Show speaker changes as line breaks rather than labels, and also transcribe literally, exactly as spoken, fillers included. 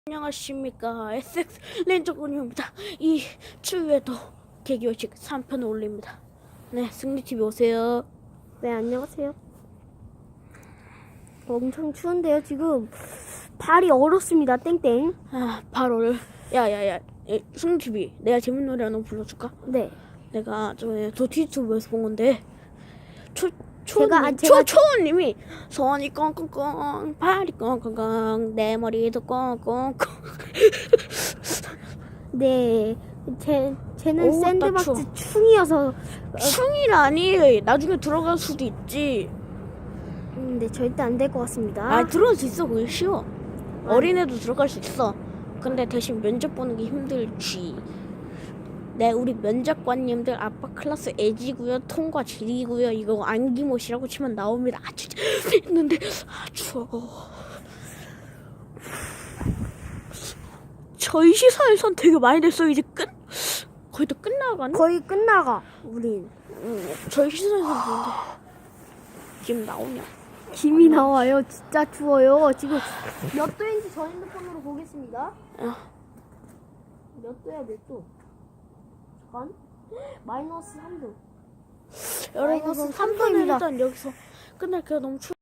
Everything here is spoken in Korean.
안녕하십니까, 에스엑스 렌저군입니다. 이 추위에도 개교식 삼 편을 올립니다. 네, 승리티비 오세요.
네, 안녕하세요. 엄청 추운데요, 지금. 발이 얼었습니다, 땡땡.
아, 바로 야야야, 승리티비 내가 재밌는 노래 하나 불러줄까?
네.
내가 전에 도티유튜브에서 본 건데 초
제가-
초님,
제가-
초 초님이 손이 꽁꽁꽁 발이 꽁꽁꽁 내 머리도 꽁꽁꽁.
네. 제, 쟤는
어우, 나
샌드박스
추워.
충이어서.
충이라니, 나중에 들어갈 수도 있지.
음, 네, 절대 안 될 것 같습니다.
아, 들어갈 수 있어. 그게 쉬워. 어린애도 들어갈 수 있어. 근데 대신 면접 보는 게 힘들지. 네, 우리 면접관님들 아빠 클래스 애지고요, 통과 질이고요, 이거 안기못이라고 치면 나옵니다. 아, 진짜 했는데 아, 추워. 저희 시사에선 되게 많이 됐어. 이제 끝 거의 다 끝나가네.
거의 끝나가, 우린.
음, 저희 시사에선 보는데 지금 나오냐?
김이 나와요. 진짜 추워요. 지금 몇 도인지 저 핸드폰으로 보겠습니다.
아,
몇 도야, 몇 도? 잠깐. 마이너스 삼 도.
여러분,
마이너스
그럼
삼
삼 편을
도입니다.
일단 여기서 끝낼게요. 너무 추워.